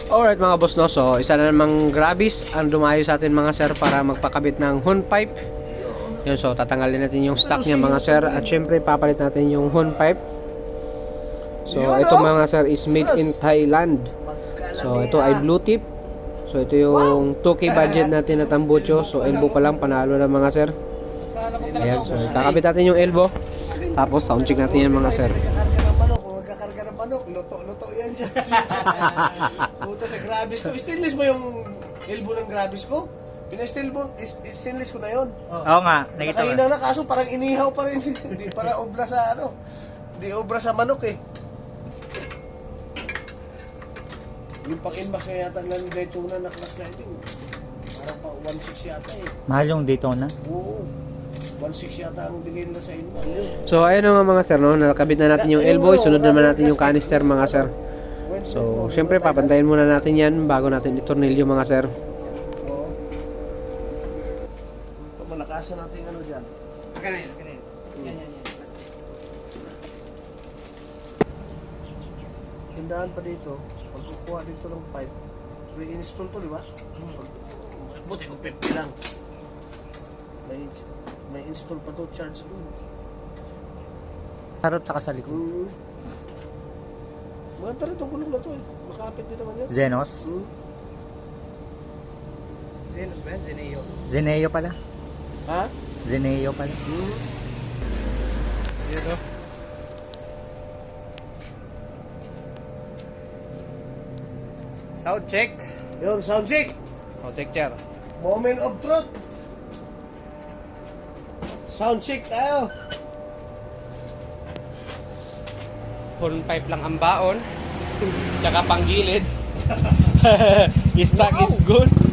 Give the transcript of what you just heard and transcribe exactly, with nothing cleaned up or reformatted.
Alright mga boss, no, so isa na namang Grabis ang dumayo sa atin mga sir para magpakabit ng horn pipe. Yun, so tatanggalin natin yung stock niya mga sir at syempre papalit natin yung horn pipe. So ito mga sir is made in Thailand. So ito ay blue tip. So ito yung two K budget natin na tambucho. So elbow pa lang, panalo na mga sir. Ayan, so kakabit natin yung elbow. Tapos sound check natin yan mga sir. Magkakarga ng manok, luto-luto yan siya. Puta sa Grabis ko. Stainless mo yung elbow ng Grabis ko? Pina-stainless mo, stainless ko na yun. Oo nga, nakita ko. Nakahina na kaso parang inihaw pa rin. Hindi para obra sa ano. Hindi obra sa manok eh. Yung pang-inbox na yata ng Daytona na class lighting. Parang pa one six yata eh. Mahal yung Daytona. Oo. one six yata ang bigay nila sa inyo. So ayun na nga mga sir, no, nakabit na natin yung elbow. Sunod naman natin yung canister mga sir. So syempre papantayin muna natin yan bago natin itornilyo mga sir. Oo. Malakasan natin ano dyan. Kaya na yun, kaya na yun. Yan, yan, yan. Tindahan pa dito. Pag kukuha dito ng pipe, re-install to, di ba? Buti kung fifty lang. May, may install pa to, charge doon. Harap tsaka sa likod. Mm. Maganda rin itong gulong na to eh. Makapit din naman yan. Zenos. Mm. Zenos ba yan? Zeneo. Zeneo pala. Ha? Zeneo pala. Mm. Yan o. Sound check. Yun, sound check. Sound check, chair. Moment of truth. Sound check tayo. Horn pipe lang ang baon. Tsaka panggilid. Stock is good.